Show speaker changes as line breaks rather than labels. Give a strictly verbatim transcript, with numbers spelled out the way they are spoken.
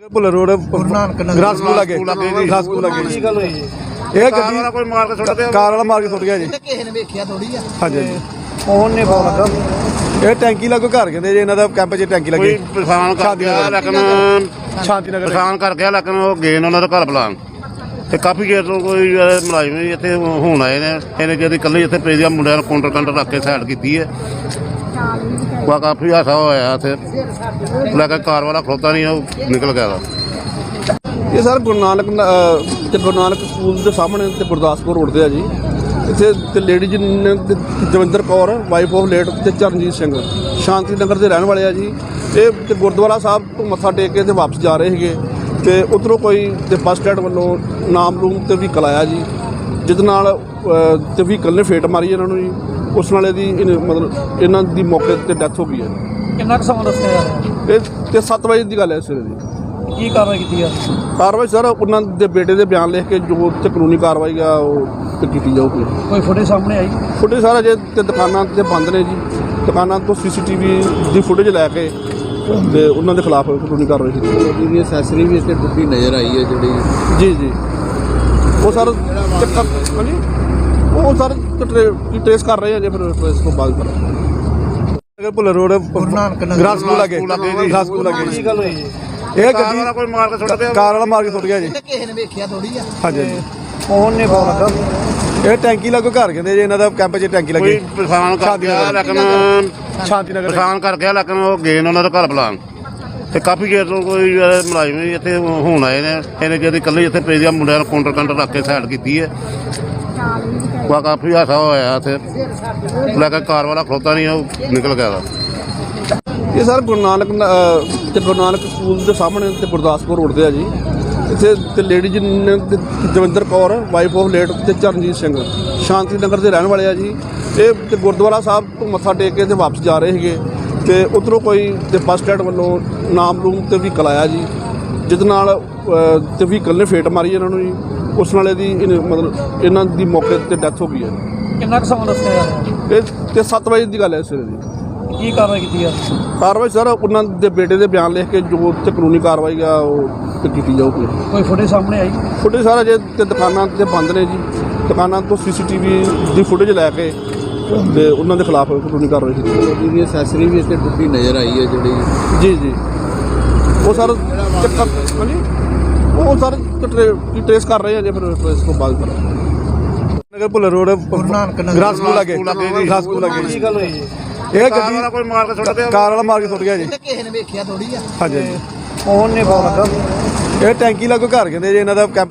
Bhullar road ਗ੍ਰਾਸ school ਲੱਗੇ ਗ੍ਰਾਸ ਸਕੂਲ ਲੱਗੇ
ਕੀ ਗੱਲ ਹੋਈ ਜੀ?
ਇਹ ਗੱਡੀ
ਵਾਲਾ ਕੋਈ ਮਾਰ ਕੇ ਸੁੱਟ ਗਿਆ
ਕਾਰ ਵਾਲਾ ਮਾਰ ਕੇ ਸੁੱਟ ਗਿਆ ਜੀ।
ਕਿਸੇ ਨੇ ਵੇਖਿਆ ਥੋੜੀ ਆ।
ਹਾਂਜੀ
ਫੋਨ ਨੇ ਫੋਨ ਲੱਗਾ
ਇਹ ਟੈਂਕੀ ਲੱਗੋ ਘਰ ਕਹਿੰਦੇ ਜੀ ਇਹਨਾਂ ਦਾ ਕੈਂਪ 'ਚ ਟੈਂਕੀ ਲੱਗੀ
ਕੋਈ ਪਛਾਣ ਕਰ ਗਿਆ ਲੇਕਿਨ
ਸ਼ਾਂਤੀ ਨਗਰ
ਪਛਾਣ ਕਰ ਗਿਆ ਲੇਕਿਨ ਉਹ ਗਏ ਨੇ ਉਹਨਾਂ ਦਾ ਘਰ ਬੁਲਾਉਣ ਤੇ ਕਾਫੀ ਚਿਰ ਤੋਂ ਕੋਈ ਮੁਲਾਜ਼ਮ ਵੀ ਇੱਥੇ ਹੁਣ ਆਏ ਨੇ ਇਹਨੇ ਜਿਹੜੀ ਇਕੱਲੇ ਇੱਥੇ ਪੇਜਿਆ ਮੁੰਡਿਆਂ ਨੂੰ ਕਾਊਂਟਰ ਕਾਊਂਟਰ ਰੱਖ ਕੇ ਸਾਈਡ ਕੀਤੀ ਹੈ ਵਾ ਕਾਫੀ ਹਾਸਾ ਹੋਇਆ ਇੱਥੇ ਲੈ ਕੇ ਕਾਰ ਵਾਲਾ ਖਲੋਤਾ ਨਹੀਂ ਉਹ ਨਿਕਲ ਗਿਆ ਵਾ।
ਇਹ ਸਰ ਗੁਰੂ ਨਾਨਕ ਅਹ, ਤੇ ਗੁਰੂ ਨਾਨਕ ਸਕੂਲ ਦੇ ਸਾਹਮਣੇ ਤੇ ਗੁਰਦਾਸਪੁਰ ਰੋਡ ਤੇ ਆ ਜੀ। ਇੱਥੇ ਤੇ ਲੇਡੀ ਜੀ ਨੇ ਤੇ Davinder Kaur wife of late ਤੇ ਚਰਨਜੀਤ ਸਿੰਘ ਸ਼ਾਂਤੀ ਨਗਰ ਦੇ ਰਹਿਣ ਵਾਲੇ ਆ ਜੀ। ਇਹ ਤੇ ਗੁਰਦੁਆਰਾ ਸਾਹਿਬ ਤੋਂ ਮੱਥਾ ਟੇਕ ਕੇ ਤੇ ਵਾਪਸ ਜਾ ਰਹੇ ਸੀਗੇ ਤੇ ਉੱਧਰੋਂ ਕੋਈ ਤੇ ਬੱਸ ਸਟੈਂਡ ਵੱਲੋਂ ਨਾਮ ਰੂਮ ਤੇ ਵਹੀਕਲ ਆਇਆ ਜੀ, ਜਿਹਦੇ ਨਾਲ ਅਹ, ਤੇ ਵਹੀਕਲ ਨੇ ਫੇਟ ਮਾਰੀ ਇਹਨਾਂ ਨੂੰ ਜੀ। ਉਸ ਨਾਲ ਇਹਦੀ ਇਹਨੇ- ਮਤਲਬ ਇਹਨਾਂ ਦੀ ਮੌਕੇ ਤੇ ਡੈਥ ਹੋ ਗਈ ਹੈ।
ਕਿੰਨਾ ਕੁ ਸਮਾਂ ਦੱਸਿਆ ਯਾਰ
ਇਹ ਤੇ ਸੱਤ ਵਜੇ ਦੀ ਗੱਲ ਹੈ ਸਵੇਰੇ ਦੀ।
ਕੀ ਕਾਰਵਾਈ ਕੀਤੀ ਆ?
ਕਾਰਵਾਈ ਸਰ ਉਹਨਾਂ ਦੇ ਬੇਟੇ ਦੇ ਬਿਆਨ ਲਿਖ ਕੇ ਜੋ ਤੇ ਕਾਨੂੰਨੀ ਕਾਰਵਾਈ ਆ ਉਹ ਤੇ ਕੀਤੀ ਜਾਊਗੀ।
ਕੋਈ ਫੁਟੇਜ ਸਾਹਮਣੇ ਆਈ?
ਫੁਟੇਜ ਸਾਰਾ ਜੇ ਤੇ ਦੁਕਾਨਾਂ ਤੇ ਬੰਦ ਨੇ ਜੀ, ਦੁਕਾਨਾਂ ਤੋਂ ਸੀਸੀਟੀਵੀ ਦੀ ਫੁਟੇਜ ਲੈ ਕੇ ਤੇ ਉਹਨਾਂ ਦੇ ਖਿਲਾਫ ਕਾਨੂੰਨੀ ਕਾਰਵਾਈ ਕੀਤੀ ਜਾਊਗੀ।
ਇਹਦੀ ਅਸੈਸਰੀ ਵੀ ਇੱਥੇ ਟੁੱਟੀ ਨਜ਼ਰ ਆਈ ਹੈ ਜਿਹੜੀ
ਜੀ ਜੀ ਉਹ ਸਰ ਚੱਕਰ ਹਾਂਜੀ ਉਹ ਸਰ ਟ੍ਰੇਸ ਕਰ ਰਹੇ ਆ ਜੇ ਫਿਰ ਇਸ ਤੋਂ ਬਾਅਦ ਕਰਾਂਗੇ। ਭੁੱਲਰ ਰੋਡ ਗ੍ਰਾਸ ਸਕੂਲ ਲੱਗੇ ਗ੍ਰਾਸ ਸਕੂਲ ਲੱਗੇ
ਕੀ ਗੱਲ ਹੋਈ ਜੀ?
ਇਹ
ਕਾਰ ਵਾਲਾ ਕੋਈ ਮਾਰ ਕੇ ਸੁੱਟ ਗਿਆ
ਕਾਰ ਵਾਲਾ ਮਾਰ ਕੇ ਸੁੱਟ ਗਿਆ ਜੀ।
ਕਿਸੇ ਨੇ ਵੇਖਿਆ ਥੋੜੀ ਆ।
ਹਾਂਜੀ
ਫੋਨ ਨੇ ਫੋਨ ਲੱਗਾ
ਇਹ ਟੈਂਕੀ ਲੱਗੋ ਘਰ ਕਹਿੰਦੇ ਜੀ ਇਹਨਾਂ ਦਾ ਕੈਂਪ 'ਚ ਟੈਂਕੀ ਲੱਗੀ
ਕੋਈ ਪਛਾਣ ਕਰ ਗਿਆ ਲੇਕਿਨ
ਸ਼ਾਂਤੀ ਨਗਰ
ਪਛਾਣ ਕਰ ਗਿਆ ਲੇਕਿਨ ਉਹ ਗਏ ਨੇ ਉਹਨਾਂ ਦਾ ਘਰ ਬੁਲਾਉਣ ਤੇ ਕਾਫੀ ਚਿਰ ਤੋਂ ਕੋਈ ਮੁਲਾਜ਼ਮ ਵੀ ਇੱਥੇ ਹੁਣ ਆਏ ਨੇ ਇਹਨੇ ਜਿਹੜੀ ਇਕੱਲੇ ਇੱਥੇ ਪੇਜਿਆ ਮੁੰਡਿਆਂ ਨੂੰ ਕਾਊਂਟਰ ਕਾਊਂਟਰ ਰੱਖ ਕੇ ਸਾਈਡ ਕੀਤੀ ਹੈ ਵਾ ਕਾਫੀ ਹਾਸਾ ਹੋਇਆ ਇੱਥੇ ਲੈ ਕੇ ਕਾਰ ਵਾਲਾ ਖਲੋਤਾ ਨਹੀਂ ਉਹ ਨਿਕਲ ਗਿਆ ਵਾ।
ਇਹ ਸਰ ਗੁਰੂ ਨਾਨਕ ਅਹ, ਤੇ ਗੁਰੂ ਨਾਨਕ ਸਕੂਲ ਦੇ ਸਾਹਮਣੇ ਤੇ ਗੁਰਦਾਸਪੁਰ ਰੋਡ ਤੇ ਆ ਜੀ। ਇੱਥੇ ਤੇ ਲੇਡੀ ਜੀ ਨੇ ਤੇ Davinder Kaur wife of late ਤੇ ਚਰਨਜੀਤ ਸਿੰਘ ਸ਼ਾਂਤੀ ਨਗਰ ਦੇ ਰਹਿਣ ਵਾਲੇ ਆ ਜੀ। ਇਹ ਤੇ ਗੁਰਦੁਆਰਾ ਸਾਹਿਬ ਤੋਂ ਮੱਥਾ ਟੇਕ ਕੇ ਤੇ ਵਾਪਸ ਜਾ ਰਹੇ ਸੀਗੇ ਤੇ ਉੱਧਰੋਂ ਕੋਈ ਤੇ ਬੱਸ ਸਟੈਂਡ ਵੱਲੋਂ ਨਾਮ ਰੂਮ ਤੇ ਵਹੀਕਲ ਆਇਆ ਜੀ, ਜਿਹਦੇ ਨਾਲ ਅਹ, ਤੇ ਵਹੀਕਲ ਨੇ ਫੇਟ ਮਾਰੀ ਇਹਨਾਂ ਨੂੰ ਜੀ। ਉਸ ਨਾਲ ਇਹਦੀ ਇਹਨੇ- ਮਤਲਬ ਇਹਨਾਂ ਦੀ ਮੌਕੇ ਤੇ ਡੈਥ ਹੋ ਗਈ ਹੈ।
ਕਿੰਨਾ ਕੁ ਸਮਾਂ ਦੱਸਿਆ ਯਾਰ?
ਇਹ ਤੇ ਸੱਤ ਵਜੇ ਦੀ ਗੱਲ ਹੈ ਸਵੇਰੇ ਦੀ।
ਕੀ ਕਾਰਵਾਈ ਕੀਤੀ ਆ?
ਕਾਰਵਾਈ ਸਰ ਉਹਨਾਂ ਦੇ ਬੇਟੇ ਦੇ ਬਿਆਨ ਲਿਖ ਕੇ ਜੋ ਤੇ ਕਾਨੂੰਨੀ ਕਾਰਵਾਈ ਆ ਉਹ ਤੇ ਕੀਤੀ ਜਾਊਗੀ।
ਕੋਈ ਫੁਟੇਜ ਸਾਹਮਣੇ ਆਈ?
ਫੁਟੇਜ ਸਾਰਾ ਜੇ ਤੇ ਦੁਕਾਨਾਂ ਤੇ ਬੰਦ ਨੇ ਜੀ, ਦੁਕਾਨਾਂ ਤੋਂ ਸੀਸੀਟੀਵੀ ਦੀ ਫੁਟੇਜ ਲੈ ਕੇ ਤੇ ਉਹਨਾਂ ਦੇ ਖਿਲਾਫ ਕਾਨੂੰਨੀ ਕਾਰਵਾਈ ਕੀਤੀ ਜਾਊਗੀ।
ਇਹਦੀ ਅਸੈਸਰੀ ਵੀ ਇੱਥੇ ਟੁੱਟੀ ਨਜ਼ਰ ਆਈ ਹੈ ਜਿਹੜੀ
ਜੀ ਜੀ ਉਹ ਸਰ ਚੱਕਰ ਹਾਂਜੀ ਉਹ ਸਰ ਟ੍ਰੇਸ ਕਰ ਰਹੇ ਆ ਜੇ ਫਿਰ ਇਸ ਤੋਂ ਬਾਅਦ ਕਰਾਂਗੇ। ਭੁੱਲਰ ਰੋਡ ਗ੍ਰਾਸ ਸਕੂਲ ਲੱਗੇ ਗ੍ਰਾਸ ਸਕੂਲ ਲੱਗੇ
ਕੀ ਗੱਲ ਹੋਈ ਜੀ?
ਇਹ
ਕਾਰ ਵਾਲਾ ਕੋਈ ਮਾਰ ਕੇ ਸੁੱਟ ਗਿਆ
ਕਾਰ ਵਾਲਾ ਮਾਰ ਕੇ ਸੁੱਟ ਗਿਆ ਜੀ।
ਕਿਸੇ ਨੇ ਵੇਖਿਆ ਥੋੜੀ ਆ।
ਹਾਂਜੀ
ਫੋਨ ਨੇ ਫੋਨ ਲੱਗਾ
ਇਹ ਟੈਂਕੀ ਲੱਗੋ ਘਰ ਕਹਿੰਦੇ ਜੀ ਇਹਨਾਂ ਦਾ ਕੈਂਪ